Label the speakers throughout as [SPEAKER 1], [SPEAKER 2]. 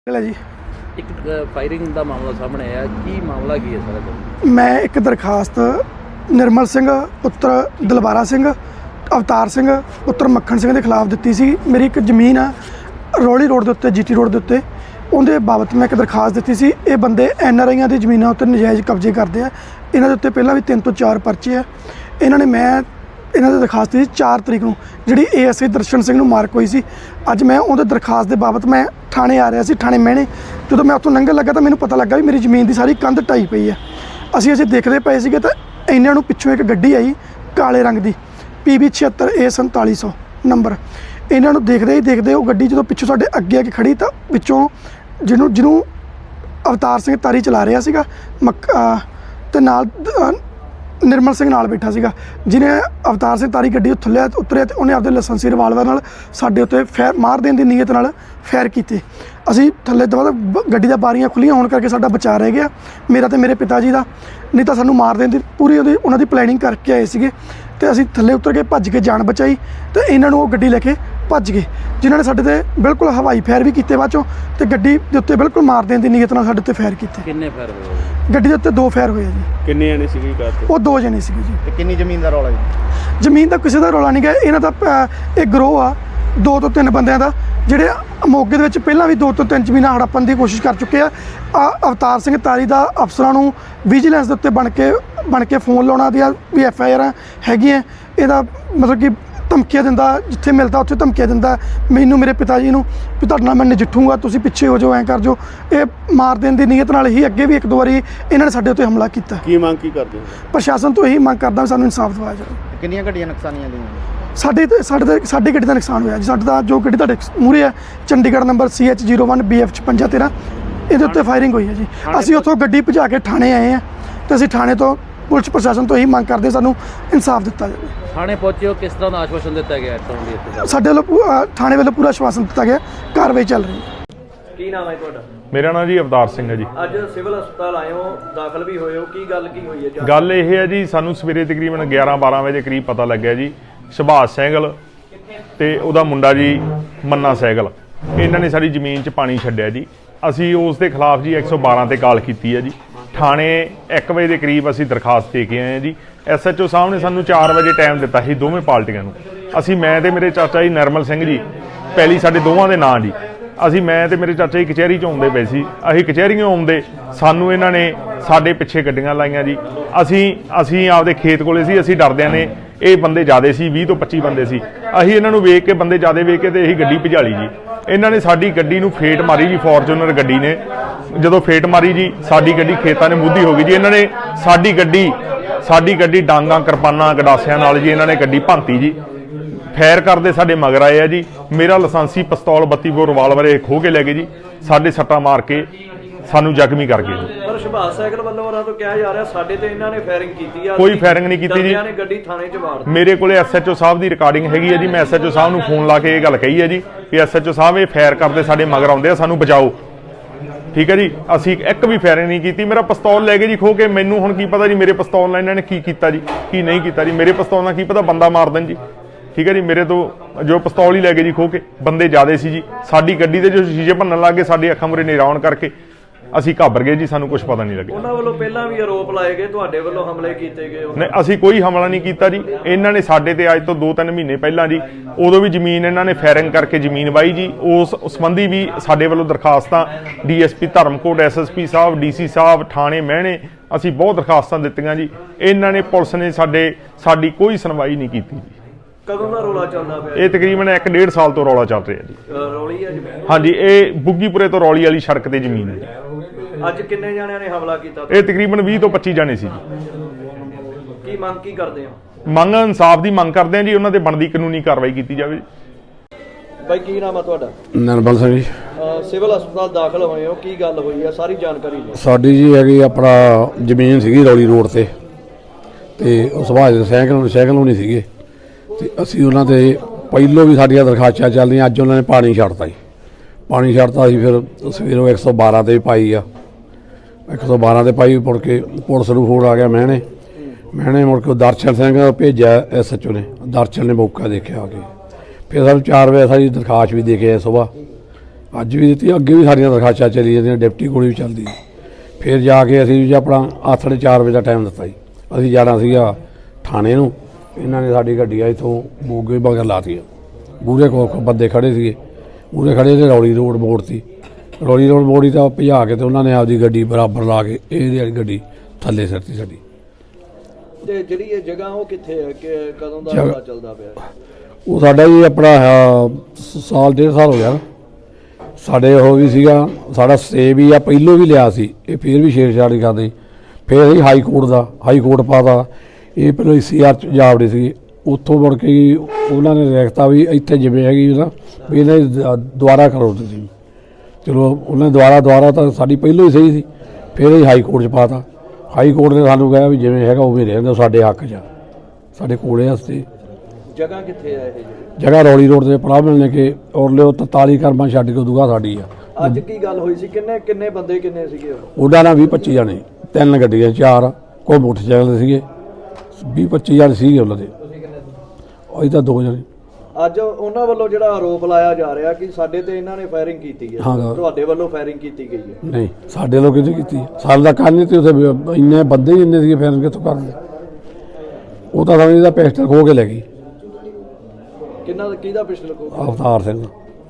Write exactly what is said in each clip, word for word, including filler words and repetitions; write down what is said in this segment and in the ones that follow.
[SPEAKER 1] जी
[SPEAKER 2] एक फायरिंग का मामला सामने आया की मामला की है सर?
[SPEAKER 1] मैं एक दरखास्त निर्मल सिंह पुत्र दलबारा सिंह अवतार सिंह पुत्र मक्खन सिंह के खिलाफ दी सी। मेरी एक जमीन है रौली रोड के उत्ते जीटी रोड के उत्ते उनके बाबत मैं एक दरखास्त दी सी। ये बंदे एन आर आईआं दी जमीनां उत्ते नजायज़ कब्जे करते हैं। इन्हां दे उत्ते पहलां भी तीन तो चार परचे है। इन्होंने मैं इन्हों की दरखास्त दी चार तरीक नूं जिहड़ी ए एस आई दर्शन सिंह नूं मार्क हुई सी। अज मैं उहदी दरखास्त के बाबत मैं थाने आ रहा सी, थाने महने जो मैं उत्थों लंघन लगा तो मैनूं पता लगा भी मेरी जमीन की सारी कंध ढाई पई है। असीं असीं देखते पे सीगे तो इन्हां नूं पिछों एक गड्डी आई काले रंग की पी बी छिहत्तर ए संताली सौ नंबर। इन्हां नूं देखते ही देखते वो गड्डी जो पिछों साडे अगे आके खड़ी तो पिछों जिन्हों जिन्हों अवतार सिंह तारी चला रहा सीगा मक ते नाल निर्मल सिंह नाल बैठा सीगा जिन्हें अवतार सिंह तारी गड्डी थल्ले उतरिया तो उन्हें आपके लाइसेंसी रिवाल्वर नाल साडे उत्ते फैर मार देने की नीयत नाल फैर कीते। असीं थल्ले दवा गड्डी दा बारियां खुलियां होने करके साडा बचा रह गया मेरा तो मेरे पिता जी का, नहीं तो सानूं मार देने की पूरी उहदी उन्हां दी प्लैनिंग करके आए सीगे ते असीं थल्ले उतर के भज के जान बचाई तो इन्हां नूं गड्डी लैके भज गए जिन्हां ने साडे ते बिल्कुल हवाई फैर भी कीते बाद चों ते गड्डी दे उत्ते बिल्कुल मार देने की नीयत नाल साडे उत्ते फैर कीते।
[SPEAKER 2] किन्ने फैर होए?
[SPEAKER 1] गड्डी दे उत्ते दो फैर होए जी।
[SPEAKER 3] किन्ने जने सीगे कार ते?
[SPEAKER 1] वो दो जने सीगे जी।
[SPEAKER 3] ते किन्नी जमीन दा रौला जी?
[SPEAKER 1] जमीन का किसी का रौला नहीं गया। इन्हां दा एक ग्रोह आ दो तो तीन बंदियां दा जिहड़े मौके दे विच पहलां भी दो तो तीन जमीनां हड़प्पण की कोशिश कर चुके आ। अवतार सिंह तारी दा अफसरां नूं विजिलेंस दे उत्ते बन के बन के फोन लाउणा दी भी एफ आई आर हैगियां। इहदा मतलब कि धमकियां दिंदा जिथे मिलता उत्थे धमकियां दिंदा मैनूं मेरे पिता जी नूं भी तुहाडे नाल मैं नजिठूंगा तुसीं पिछे हो जाओ ऐ कर जो। ये मार देने की नीयत नाल ही अगे भी एक दो बारी इन्हां ने साडे उत्ते हमला कीता।
[SPEAKER 3] की मांग की करदे हो?
[SPEAKER 1] प्रशासन तो यही मांग करदा सानूं इंसाफ दिवाया जाए।
[SPEAKER 3] किन्नियां गड्डियां नुकसानियां ਦੀਆਂ?
[SPEAKER 1] साढ़े तो साढ़े साढ़ी गड्डी का नुकसान होया जी। साਡਾ जो गड्डी तुहाडे मूहरे है Chandigarh number C H zero one B F छपंजा तेरह ये उत्ते फायरिंग हुई है जी। असीं उत्थों गड्डी भजा के थाने आए हैं तो असीं थाने तो पुलिस प्रशासन तो यही मांग करते सानूं इंसाफ दिता जाए।
[SPEAKER 2] थाने पहुंचे हो किस तरह का आश्वासन दिता गया है?
[SPEAKER 1] साडे ਵੱਲੋਂ थाने वालों पूरा आश्वासन दिता गया कार्रवाई चल रही है।
[SPEAKER 4] ਕੀ ਨਾਮ ਹੈ ਤੁਹਾਡਾ?
[SPEAKER 5] मेरा नाम जी अवतार सिंह है जी।
[SPEAKER 4] ਅੱਜ ਸਿਵਲ ਹਸਪਤਾਲ ਆਏ ਹੋ ਦਾਖਲ ਵੀ ਹੋਏ ਹੋ ਕੀ ਗੱਲ ਕੀ ਹੋਈ ਹੈ?
[SPEAKER 5] गल ये है जी सानू सवेरे तकरीबन ग्यारह बारह बजे करीब पता लग्या जी सुभाष सैगल ते उहदा मुंडा जी मन्ना सैगल इन्हां ने साडी जमीन च पानी छड्डिया जी। असी उस दे खिलाफ जी एक सौ बारह ते कॉल कीती है जी। थाने एक बजे के करीब असी दरखास्त दे के आए हैं जी। एस एच ओ साहब ने सानू चार बजे टाइम दिता ही दोवें पार्टियां नूं। असी मैं ते मेरे चाचा जी नरमल सिंह जी पहली साडे दोवां दे नां जी। असी मैं ते मेरे चाचा जी कचहरी च आउंदे पए सी। असीं कचहरीओं आउंदे सानू इन्हां ने साडे पिछे गड्डियां लाईआं जी। असी असी आपदे खेत कोले सी। असी डरदिआं ने ये बंदे ज़्यादा सी बीस तो पच्ची बंदे सी। असीं इन्हां नूं वेख के बंदे ज़्यादा वेख के ते असीं गड्डी भजाली जी। इन्हां ने साडी गड्डी नूं फेट मारी जी फॉर्चूनर गड्डी ने जदों फेट मारी जी साडी गड्डी खेतां ने मुद्दी हो गई जी। इन्हां ने साडी गड्डी साडी गड्डी डांगां किरपानां गडासियां नाल जी इन्हां ने गड्डी भंती जी। फैर करते साडे मगर आए आ जी। मेरा लाइसेंसी पिस्तौल बत्ती बोर रिवाल्वर खो के लै गए जी। साडे सट्टा मार के सानू जख्मी कर गए जी।
[SPEAKER 4] ਪਰ ਸੁਭਾਸ਼ ਸਾਈਕਲ ਵੱਲੋਂ ਉਹਨਾਂ ਤੋਂ ਕਿਹਾ ਜਾ ਰਿਹਾ ਸਾਡੇ ਤੇ ਇਹਨਾਂ ਨੇ ਫਾਇਰਿੰਗ ਕੀਤੀ ਆ।
[SPEAKER 5] कोई फायरिंग नहीं की जी।
[SPEAKER 4] ਇਹਨਾਂ ਨੇ ਗੱਡੀ ਥਾਣੇ 'ਚ ਵਾੜ ਦਿੱਤੀ।
[SPEAKER 5] मेरे को एस एच ओ साहब की रिकॉर्डिंग हैगी है जी। मैं एस एच ओ साहब नूं फोन ला के ये गल कही है जी कि एस एच ओ साहब ये फैर करते साडे मगर आउंदे आ सानू बचाओ। ठीक है जी। असी एक भी फायरिंग नहीं की। मेरा पिस्तौल लै गए जी खो के। मैनू हुण की पता जी मेरे पिस्तौल नाल इन्हां ने की कीता जी की नहीं कीता जी। मेरे पिस्तौल नाल की पता बंदा मार देन जी। ठीक है जी। मेरे तो जो पिस्तौल ही लै गए जी खो के। बंदे ज़्यादा सी जी। साडी गड्डी दे जो शीशे भन्नण लग गए साडी अखां मुरे निराउण करके असी घाबर गए जी। सानू कुछ पता नहीं लगे।
[SPEAKER 4] ਉਹਨਾਂ ਵੱਲੋਂ ਪਹਿਲਾਂ ਵੀ ਆਰੋਪ ਲਾਏ ਗਏ ਤੁਹਾਡੇ ਵੱਲੋਂ ਹਮਲੇ ਕੀਤੇ ਗਏ।
[SPEAKER 5] नहीं असी कोई हमला नहीं किया जी। इन्हों ने साडे ते अज तो दो तीन महीने पहला जी उदों भी जमीन इन्हों ने फायरिंग करके जमीन वाई जी। उस संबंधी भी साडे वालों दरखास्तां D S P Dharamkot S S P साहब डी सी साहब थाने महने असी बहुत दरखास्तां दित्तियां जी। इन्हों ने पुलिस ने साडे साडी कोई सुनवाई नहीं की जी।
[SPEAKER 4] ਕਦੋਂ ਦਾ ਰੌਲਾ ਚੱਲਦਾ ਪਿਆ?
[SPEAKER 5] ये तकरीबन एक डेढ़ साल तो रौला चल रहा जी।
[SPEAKER 4] ਰੌਲੀ ਹੈ ਜੀ।
[SPEAKER 5] हाँ जी। ये बुग्गीपुरे तो रौली वाली सड़क ते जमीन है जी।
[SPEAKER 4] ਅੱਜ ਕਿੰਨੇ ਜਣਿਆਂ ਨੇ ਹਮਲਾ ਕੀਤਾ?
[SPEAKER 5] ये तकरीबन बीस तो पच्ची जाने सी जी।
[SPEAKER 4] ਕੀ ਮੰਗ ਕੀ ਕਰਦੇ ਹੋ?
[SPEAKER 5] ਮੰਗ ਇਨਸਾਫ ਦੀ ਮੰਗ ਕਰਦੇ हैं जी। ਉਹਨਾਂ ਤੇ ਬਣਦੀ ਕਾਨੂੰਨੀ ਕਾਰਵਾਈ ਕੀਤੀ ਜਾਵੇ।
[SPEAKER 4] ਬਾਈ ਕੀ ਨਾਮ ਆ ਤੁਹਾਡਾ?
[SPEAKER 6] ਨਰਮਲ ਸਿੰਘ ਜੀ।
[SPEAKER 4] ਅਹ ਸਿਵਲ ਹਸਪਤਾਲ ਦਾਖਲ ਹੋਏ ਹੋ ਕੀ ਗੱਲ ਹੋਈ ਹੈ ਸਾਰੀ ਜਾਣਕਾਰੀ ਦਿਓ।
[SPEAKER 6] ਸਾਡੀ ਜੀ ਹੈਗੀ ਆਪਣਾ ਜ਼ਮੀਨ ਸੀਗੀ ਰੌਲੀ ਰੋਡ ਤੇ ਤੇ ਉਹ ਸੁਭਾਸ਼ ਸਾਈਕਲ ਸਾਈਕਲ ਹੋਣੀ ਸੀਗੇ ਤੇ ਅਸੀਂ ਉਹਨਾਂ ਤੇ ਪਹਿਲੋਂ ਵੀ ਸਾਡੀਆਂ ਦਰਖਾਸਤਾਂ ਚੱਲਦੀਆਂ। ਅੱਜ ਉਹਨਾਂ ਨੇ ਪਾਣੀ ਛੱਡਤਾ ਜੀ। ਪਾਣੀ ਛੱਡਤਾ ਸੀ ਫਿਰ ਸਵੇਰੋਂ ਇੱਕ ਸੌ ਬਾਰਾਂ ਤੇ ਵੀ ਪਾਈ ਆ। ਇੱਕ ਸੌ ਬਾਰਾਂ ਤੇ ਪਾਈ ਮੁੜ ਕੇ ਪੁਲਿਸ ਨੂੰ ਫੋਨ ਆ ਗਿਆ ਮਹਿਣੇ ਮਹਿਣੇ ਮੁੜ ਕੇ ਦਰਸ਼ਨ ਸਿੰਘ ਭੇਜਿਆ ਐਸ ਐਚ ਓ ਨੇ। ਦਰਸ਼ਨ ਨੇ ਮੌਕਾ ਦੇਖਿਆ ਆ ਕੇ ਫਿਰ ਸਾਨੂੰ ਚਾਰ ਵਜੇ ਸਾਡੀ ਦਰਖਾਸਤ ਵੀ ਦੇ ਕੇ ਆਏ ਸੁਬਾਹ ਅੱਜ ਵੀ ਦਿੱਤੀ, ਅੱਗੇ ਵੀ ਸਾਡੀਆਂ ਦਰਖਾਸਤਾਂ ਚੱਲੀ ਜਾਂਦੀਆਂ, ਡਿਪਟੀ ਕੋਲ ਵੀ ਚੱਲਦੀ ਸੀ। ਫਿਰ ਜਾ ਕੇ ਅਸੀਂ ਜੀ ਆਪਣਾ ਆਥੜੇ ਚਾਰ ਵਜੇ ਦਾ ਟਾਈਮ ਦਿੱਤਾ ਜੀ, ਅਸੀਂ ਜਾਣਾ ਸੀਗਾ ਥਾਣੇ ਨੂੰ। ਇਹਨਾਂ ਨੇ ਸਾਡੀ ਗੱਡੀਆਂ ਇੱਥੋਂ ਮੋਗੇ ਮਗਰ ਲਾਤੀਆਂ, ਮੂਹਰੇ ਕੋ ਬੰਦੇ ਖੜ੍ਹੇ ਸੀਗੇ, ਮੂਹਰੇ ਖੜ੍ਹੇ ਤੇ ਰੌਲੀ ਰੋਡ ਮੋੜ ਤੀ, ਰੌਲੀ ਰੋਡ ਮੋੜੀ ਤਾਂ ਭਜਾ ਕੇ ਤੇ ਉਹਨਾਂ ਨੇ ਆਪਦੀ ਗੱਡੀ ਬਰਾਬਰ ਲਾ ਕੇ ਇਹਦੀ ਵਾਲੀ ਗੱਡੀ ਥੱਲੇ ਸਿੱਟਤੀ ਸਾਡੀ।
[SPEAKER 4] ਤੇ ਜਿਹੜੀ ਇਹ ਜਗ੍ਹਾ ਉਹ ਕਿੱਥੇ ਹੈ ਕਿ ਕਦੋਂ ਦਾ
[SPEAKER 6] ਜਗ੍ਹਾ-
[SPEAKER 4] ਰੌਲਾ ਚੱਲਦਾ ਪਿਆ ਹੈ?
[SPEAKER 6] ਉਹ ਸਾਡਾ ਜੀ ਆਪਣਾ ਆਹ ਸ- ਸਾਲ ਡੇਢ ਸਾਲ ਹੋ ਗਿਆ ਨਾ। ਸਾਡੇ ਉਹ ਵੀ ਸੀਗਾ, ਸਾਡਾ ਸਟੇ ਵੀ ਆ, ਪਹਿਲੋਂ ਵੀ ਲਿਆ ਸੀ, ਇਹ ਫਿਰ ਵੀ ਛੇੜਛਾੜ ਨਹੀਂ ਕਰਦੇ। ਫਿਰ ਅਸੀਂ ਹਾਈ ਕੋਰਟ ਦਾ ਹਾਈ ਕੋਰਟ ਪਾਤਾ, ਇਹ ਪਹਿਲਾਂ ਸੀ ਆਰ ਚ ਜਾਵੜੇ ਸੀ, ਉੱਥੋਂ ਮੁੜ ਕੇ ਜੀ ਉਹਨਾਂ ਨੇ ਰੇਖਤਾ ਵੀ ਇੱਥੇ ਜਿਵੇਂ ਹੈਗੀ ਨਾ ਵੀ ਇਹਨਾਂ ਦੀ ਦ- ਦੁਬਾਰਾ ਕਰੋ ਤੁਸੀਂ। ਚਲੋ ਉਹਨਾਂ ਨੇ ਦੁਬਾਰਾ ਦੁਬਾਰਾ ਤਾਂ ਸਾਡੀ ਪਹਿਲੋਂ ਹੀ ਸਹੀ ਸੀ, ਫਿਰ ਅਸੀਂ ਹਾਈ ਕੋਰਟ ਚ ਪਾਤਾ। ਹਾਈ ਕੋਰਟ ਨੇ ਸਾਨੂੰ ਕਿਹਾ ਵੀ ਜਿਵੇਂ ਹੈਗਾ ਉਵੇਂ ਰਹਿੰਦਾ, ਸਾਡੇ ਹੱਕ 'ਚ ਆ, ਸਾਡੇ ਕੋਲੇ ਵਾਸਤੇ।
[SPEAKER 4] ਜਗ੍ਹਾ ਕਿੱਥੇ ਹੈ ਇਹ ਜਿਹੜੀ?
[SPEAKER 6] ਜਗ੍ਹਾ ਰੌਲੀ ਰੋਡ ਤੇ ਪੜਾ ਮਿਲਣੇ ਕਿ ਔਰ ਲਿਓ ਤਰਤਾਲੀ ਕਰਮਾਂ ਛੱਡ ਕੇ ਦੁਗਾ ਸਾਡੀ ਆ।
[SPEAKER 4] ਅੱਜ ਕੀ ਗੱਲ ਹੋਈ ਸੀ? ਕਿੰਨੇ ਕਿੰਨੇ ਬੰਦੇ ਕਿੰਨੇ ਸੀਗੇ ਉਹ?
[SPEAKER 6] ਉਹਨਾਂ ਨਾਲ ਵੀਹ ਪੱਚੀ ਜਾਣੇ, ਤਿੰਨ ਗੱਡੀਆਂ ਚਾਰ, ਕੋਈ ਮੋਟਰਸਾਈਕਲ ਸੀਗੇ, ਵੀਹ ਪੱਚੀ ਜਾਣੇ ਸੀਗੇ ਉਹਨਾਂ ਦੇ। ਅਸੀਂ ਤਾਂ ਦੋ ਜਣੇ।
[SPEAKER 4] ਅੱਜ ਉਹਨਾਂ ਵੱਲੋਂ ਜਿਹੜਾ ਆਰੋਪ ਲਾਇਆ ਜਾ ਰਿਹਾ ਕਿ ਸਾਡੇ ਤੇ ਇਹਨਾਂ ਨੇ ਫਾਇਰਿੰਗ ਕੀਤੀ ਹੈ,
[SPEAKER 6] ਹਾਂ।
[SPEAKER 4] ਤੁਹਾਡੇ ਵੱਲੋਂ ਫਾਇਰਿੰਗ ਕੀਤੀ ਗਈ ਹੈ।
[SPEAKER 6] ਨਹੀਂ, ਸਾਡੇ ਲੋਕ ਕਿਹਨੇ ਕੀਤੀ? ਸਾਡੇ ਦਾ ਕੰਨ ਨਹੀਂ ਤੇ ਉੱਥੇ ਵੀ ਇੰਨੇ ਬੰਦੇ ਹੀ ਇੰਨੇ ਸੀਗੇ, ਫਿਰ ਕਿੱਥੋਂ ਕਰਦੇ? ਉਹ ਤਾਂ ਸਮਝਦਾ ਪਿਸਟਲ ਖੋ ਕੇ ਲੈ ਗਈ
[SPEAKER 4] ਕਿੰਨਾ ਕਿਹਦਾ ਪਿਸਟਲ ਕੋ?
[SPEAKER 6] ਅਵਤਾਰ ਸਿੰਘ।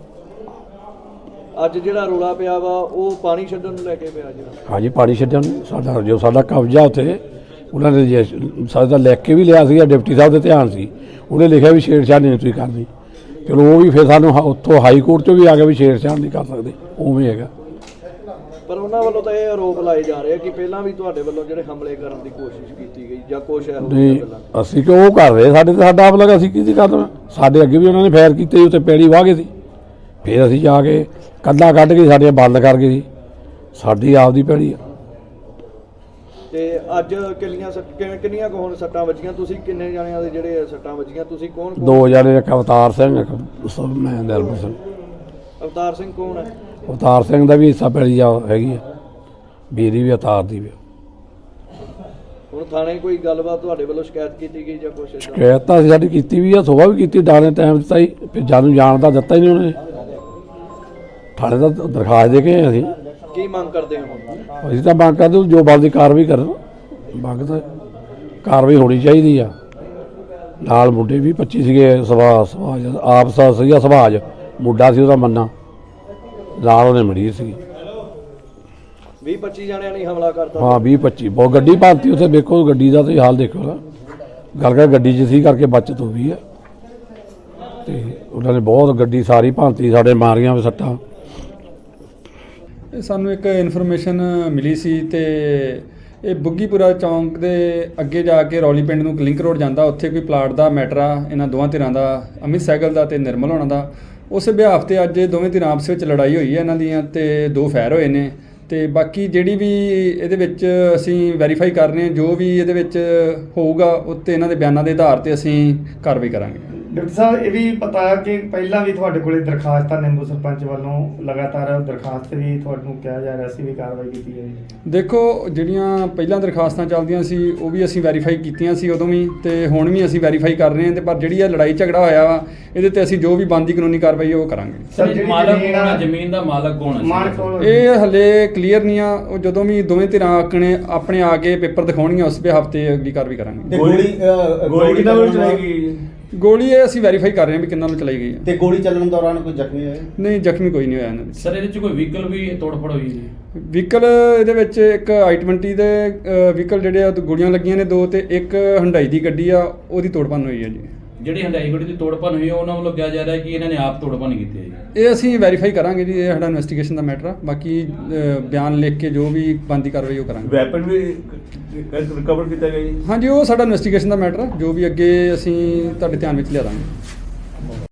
[SPEAKER 4] ਅੱਜ ਜਿਹੜਾ ਰੋਲਾ ਪਿਆ ਵਾ ਉਹ ਪਾਣੀ ਛੱਡਣ ਨੂੰ ਲੈ ਕੇ ਪਿਆ ਜਿਹੜਾ।
[SPEAKER 6] ਹਾਂਜੀ, ਪਾਣੀ ਛੱਡਣ ਨੂੰ ਸਾਡਾ ਜੋ ਸਾਡਾ ਕਬਜ਼ਾ ਉੱਥੇ ਉਹਨਾਂ ਨੇ ਜੇ ਸਾਡਾ ਲਿਖ ਕੇ ਵੀ ਲਿਆ ਸੀਗਾ, ਡਿਪਟੀ ਸਾਹਿਬ ਦੇ ਧਿਆਨ ਸੀ, ਉਹਨੇ ਲਿਖਿਆ ਵੀ ਛੇੜਛਾੜ ਨਹੀਂ ਤੁਸੀਂ ਕਰਨੀ। ਚਲੋ ਉਹ ਵੀ ਫਿਰ ਸਾਨੂੰ ਹ- ਉੱਥੋਂ ਹਾਈ ਕੋਰਟ 'ਚੋਂ ਵੀ ਆ ਗਿਆ ਵੀ ਛੇੜਛਾੜ ਨਹੀਂ ਕਰ ਸਕਦੇ, ਉਵੇਂ ਹੈਗਾ।
[SPEAKER 4] ਪਰ ਉਹਨਾਂ ਵੱਲੋਂ ਤਾਂ ਇਹ ਆਰੋਪ ਲਾਏ ਜਾ ਰਹੇ ਆ ਕਿ ਪਹਿਲਾਂ ਵੀ ਤੁਹਾਡੇ ਵੱਲੋਂ ਜਿਹੜੇ ਹਮਲੇ ਕਰਨ ਦੀ ਕੋਸ਼ਿਸ਼ ਕੀਤੀ ਗਈ ਜਾਂ ਕੁਛ ਇਹੋ
[SPEAKER 6] ਨਹੀਂ,
[SPEAKER 4] ਜਿਹੀਆਂ ਗੱਲਾਂ।
[SPEAKER 6] ਅਸੀਂ ਕਿਉਂ ਉਹ ਕਰ ਰਹੇ, ਸਾਡੇ ਤੇ ਸਾਡਾ ਆਪ ਲਗਾ, ਅਸੀਂ ਕਿਹਦੀ ਕਰਨਾ? ਸਾਡੇ ਅੱਗੇ ਵੀ ਉਹਨਾਂ ਨੇ ਫਾਇਰ ਕੀਤੇ, ਉੱਤੇ ਪੈੜੀ ਵਾਹ ਗਏ ਸੀ, ਫਿਰ ਅਸੀਂ ਜਾ ਕੇ ਕੰਧਾਂ ਕੱਢ ਕੇ ਸਾਡੀਆਂ ਬੰਦ ਕਰ ਗਏ ਸੀ, ਸਾਡੀ ਆਪ ਦੀ ਪੈੜੀ ਆ।
[SPEAKER 4] ਤੇ ਅੱਜ ਕਿੰਨੀਆਂ ਸੱਟ- ਕਿਵੇਂ ਕਿੰਨੀਆਂ ਕੁ ਹੁਣ ਸੱਟਾਂ ਵੱਜੀਆਂ? ਤੁਸੀਂ ਕਿੰਨੇ ਜਣਿਆਂ ਦੇ ਜਿਹੜੇ ਸੱਟਾਂ ਵੱਜੀਆਂ? ਤੁਸੀਂ ਕੌਣ ਕੌਣ?
[SPEAKER 6] ਦੋ ਜਣੇ, ਇੱਕ ਅਵਤਾਰ ਸਿੰਘ, ਇੱਕ ਸ- ਮੈਂ ਦਿਲਬਰ ਸਿੰਘ।
[SPEAKER 4] ਅਵਤਾਰ ਸਿੰਘ ਕੌਣ ਹੈ?
[SPEAKER 6] ਅਵਤਾਰ ਸਿੰਘ ਦਾ ਵੀ ਹਿੱਸਾ ਪੈੜੀ ਆ ਹੈਗੀ ਆ, ਬੀਰੀ ਵੀ ਅਵਤਾਰ ਦੀ ਵੀ।
[SPEAKER 4] ਹੁਣ ਥਾਣੇ ਕੋਈ ਗੱਲਬਾਤ ਤੁਹਾਡੇ ਵੱਲੋਂ ਸ਼ਿਕਾਇਤ ਕੀਤੀ ਗਈ ਜਾਂ ਕੁਛ ਏਦਾਂ?
[SPEAKER 6] ਸ਼ਿਕਾਇਤ ਤਾਂ ਅਸੀਂ ਸਾਡੀ ਕੀਤੀ ਵੀ ਆ, ਸੁਬਾਹ ਵੀ ਕੀਤੀ, ਡਾਣੇ ਟਾਈਮ ਦਿੱਤਾ ਹੀ, ਫਿਰ ਜਾਨੂੰ ਜਾਣ ਦਾ ਦਿੱਤਾ ਹੀ ਨਹੀਂ ਉਹਨੇ। ਥਾਣੇ ਦਾ ਦਰਖਾਸਤ ਦੇ ਕੇ ਆਏ ਅਸੀਂ।
[SPEAKER 4] ਕੀ ਮੰਗ ਕਰਦੇ ਹੋ ਹੁਣ?
[SPEAKER 6] ਅਸੀਂ ਤਾਂ ਮੰਗ ਕਰਦੇ ਜੋ ਬਣਦੀ ਕਾਰਵਾਈ ਕਰਨ, ਮੰਗ ਤਾਂ ਕਾਰਵਾਈ ਹੋਣੀ ਚਾਹੀਦੀ ਆ। ਨਾਲ ਮੁੰਡੇ ਵੀ ਪੱਚੀ ਸੀਗੇ, ਸਵਾ ਸਵਾਜ ਆਪ ਸਾ ਸੀਗਾ ਸਵਾਜ, ਮੁੰਡਾ ਸੀ ਉਹਦਾ ਮੰਨਾ, ਨਾਲ ਉਹਨੇ ਮਰੀਜ਼ ਸੀ।
[SPEAKER 4] ਵੀਹ ਪੱਚੀ ਜਣਿਆਂ ਨੇ ਹਮਲਾ ਕਰਤਾ।
[SPEAKER 6] ਹਾਂ, ਵੀਹ ਪੱਚੀ ਬਹੁਤ ਗੱਡੀ ਭਾਰਤੀ ਉੱਥੇ, ਵੇਖੋ ਗੱਡੀ ਦਾ ਤੁਸੀਂ ਹਾਲ ਦੇਖੋ ਨਾ, ਗੱਲ ਕਰ ਗੱਡੀ 'ਚ ਸੀ ਕਰਕੇ ਬਚਤ ਹੋ ਗਈ ਆ। ਤੇ ਉਹਨਾਂ ਨੇ ਬਹੁਤ ਗੱਡੀ ਸਾਰੀ ਭਾਂਤੀ, ਸਾਡੇ ਮਾਰੀਆਂ ਵੀ ਸੱਟਾਂ।
[SPEAKER 7] ਇਹ ਸਾਨੂੰ ਇੱਕ ਇਨਫੋਰਮੇਸ਼ਨ ਮਿਲੀ ਸੀ ਤੇ ਇਹ ਬੁੱਗੀਪੁਰਾ ਚੌਂਕ ਦੇ ਅੱਗੇ ਜਾ ਕੇ ਰੌਲੀ ਪਿੰਡ ਨੂੰ ਲਿੰਕ ਰੋਡ ਜਾਂਦਾ, ਉੱਥੇ ਕੋਈ ਪਲਾਟ ਦਾ ਮੈਟਰ ਆ ਇਹਨਾਂ ਦੋਵਾਂ ਧਿਰਾਂ ਦਾ, ਅਮਿਤ ਸਹਿਗਲ ਦਾ ਤੇ ਨਿਰਮਲ ਹੋਣਾ ਦਾ। ਉਸ ਬਿਹਾਫ ਤੇ ਅੱਜ ਦੋਵੇਂ ਧਿਰਾਂ ਆਪਸ ਵਿੱਚ ਲੜਾਈ ਹੋਈ ਹੈ ਇਹਨਾਂ ਦੀਆਂ ਤੇ ਦੋ ਫਾਇਰ ਹੋਏ ਨੇ। ਤੇ ਬਾਕੀ ਜਿਹੜੀ ਵੀ ਇਹਦੇ ਵਿੱਚ ਅਸੀਂ ਵੈਰੀਫਾਈ ਕਰ ਰਹੇ ਹਾਂ, ਜੋ ਵੀ ਇਹਦੇ ਵਿੱਚ ਹੋਊਗਾ ਉੱਤੇ ਇਹਨਾਂ ਦੇ ਬਿਆਨਾਂ ਦੇ ਆਧਾਰ ਤੇ ਅਸੀਂ ਕਾਰਵਾਈ ਕਰਾਂਗੇ।
[SPEAKER 8] ਡਾਕਟਰ ਸਾਹਿਬ, ਇਹ ਵੀ ਪਤਾ ਹੈ ਕਿ ਪਹਿਲਾਂ ਵੀ ਤੁਹਾਡੇ ਕੋਲੇ ਦਰਖਾਸਤਾਂ ਨਿੰਬੂ ਸਰਪੰਚ ਵੱਲੋਂ ਲਗਾਤਾਰ ਦਰਖਾਸਤ ਵੀ ਤੁਹਾਨੂੰ ਕਿਹਾ ਜਾ ਰਿਹਾ ਸੀ ਵੀ ਕਾਰਵਾਈ ਕੀਤੀ ਜਾਏਗੀ।
[SPEAKER 7] ਦੇਖੋ, ਜਿਹੜੀਆਂ ਪਹਿਲਾਂ ਦਰਖਾਸਤਾਂ ਚੱਲਦੀਆਂ ਸੀ ਉਹ ਵੀ ਅਸੀਂ ਵੈਰੀਫਾਈ ਕੀਤੀਆਂ ਸੀ ਉਦੋਂ ਵੀ, ਤੇ ਹੁਣ ਵੀ ਅਸੀਂ ਵੈਰੀਫਾਈ ਕਰ ਰਹੇ ਹਾਂ। ਤੇ ਪਰ ਜਿਹੜੀ ਇਹ ਲੜਾਈ ਝਗੜਾ ਹੋਇਆ ਵਾ, ਇਹਦੇ ਤੇ ਅਸੀਂ ਜੋ ਵੀ ਬਣਦੀ ਕਾਨੂੰਨੀ ਕਾਰਵਾਈ ਉਹ ਕਰਾਂਗੇ।
[SPEAKER 8] ਸਰ, ਜਿਹੜੀ
[SPEAKER 2] ਮਾਲਕ
[SPEAKER 8] ਜ਼ਮੀਨ
[SPEAKER 2] ਕੌਣ
[SPEAKER 8] ਆ-
[SPEAKER 2] ਹੈ? ਜ਼ਮੀਨ ਦਾ ਮਾਲਕ ਕੌਣ ਹੈ?
[SPEAKER 8] ਮਾਲਕ ਕੌਣ?
[SPEAKER 7] ਇਹ ਹਲੇ ਕਲੀਅਰ ਨਹੀਂ ਆ। ਉਹ ਜਦੋਂ ਵੀ ਦੋਵੇਂ ਧਿਰਾਂ ਆਕਣੇ ਆਪਣੇ ਆ ਕੇ ਪੇਪਰ ਦਿਖਾਉਣਗੀਆਂ, ਉਸ ਬਿਹਾਫ ਤੇ ਅਗਲੀ ਕਾਰਵਾਈ ਕਰਾਂਗੇ।
[SPEAKER 9] ਗੋਲੀ ਗੋਲੀ ਕਿਹਨਾਂ ਵੱਲੋਂ ਚਲਾਈ ਗਈ?
[SPEAKER 7] ਗੋਲੀ ਇਹ ਅਸੀਂ ਵੈਰੀਫਾਈ ਕਰ ਰਹੇ ਹਾਂ ਵੀ ਕਿੰਨਾਂ ਨੂੰ ਚਲਾਈ ਗਈ ਹੈ।
[SPEAKER 9] ਤੇ ਗੋਲੀ ਚੱਲਣ ਦੌਰਾਨ ਕੋਈ ਜ਼ਖਮੀ ਹੋਇਆ?
[SPEAKER 7] ਨਹੀਂ, ਜ਼ਖਮੀ ਕੋਈ ਨਹੀਂ ਹੋਇਆ ਇਹਨਾਂ ਵਿੱਚ।
[SPEAKER 2] ਸਰ, ਇਹਦੇ ਚ ਕੋਈ ਵਹੀਕਲ ਵੀ ਤੋੜਫੜ ਹੋਈ ਜੀ?
[SPEAKER 7] ਵਹੀਕਲ ਇਹਦੇ ਵਿੱਚ ਇੱਕ ਆਈ ਟਵੰਟੀ ਦੇ ਵਹੀਕਲ ਜਿਹੜੇ ਆ ਉਹ ਗੋਲੀਆਂ ਲੱਗੀਆਂ ਨੇ ਦੋ, ਤੇ ਇੱਕ ਹੰਡਾਈ ਦੀ ਗੱਡੀ ਆ ਉਹਦੀ ਤੋੜਪੰਨ ਹੋਈ ਹੈ ਜੀ।
[SPEAKER 2] ਜਿਹੜੀ ਹੰਡਾਈ ਗੱਡੀ ਦੀ ਤੋੜਪੰਨ ਹੋਈ ਹੈ ਉਹਨਾਂ ਵੱਲੋਂ ਕਿਹਾ ਜਾ ਰਿਹਾ ਕਿ ਇਹਨਾਂ ਨੇ ਆਪ ਤੋੜਪੰਨ ਕੀਤੀ ਹੈ ਜੀ।
[SPEAKER 7] ਇਹ ਅਸੀਂ ਵੈਰੀਫਾਈ ਕਰਾਂਗੇ ਜੀ, ਇਹ ਸਾਡਾ ਇਨਵੈਸਟੀਗੇਸ਼ਨ ਦਾ ਮੈਟਰ ਆ। ਬਾਕੀ ਅ, ਬਿਆਨ ਲਿਖ ਕੇ ਜੋ ਵੀ ਬਣਦੀ ਕਾਰਵਾਈ ਉਹ ਕਰਾਂਗੇ।
[SPEAKER 9] ਵੈਪਨ ਵੀ ਰਿਕਵਰ ਕੀਤਾ ਗਿਆ ਜੀ?
[SPEAKER 7] ਹਾਂਜੀ, ਉਹ ਸਾਡਾ ਇਨਵੈਸਟੀਗੇਸ਼ਨ ਦਾ ਮੈਟਰ ਆ, ਜੋ ਵੀ ਅੱਗੇ ਅਸੀਂ ਤੁਹਾਡੇ ਧਿਆਨ ਵਿੱਚ ਲਿਆ ਦਾਂਗੇ।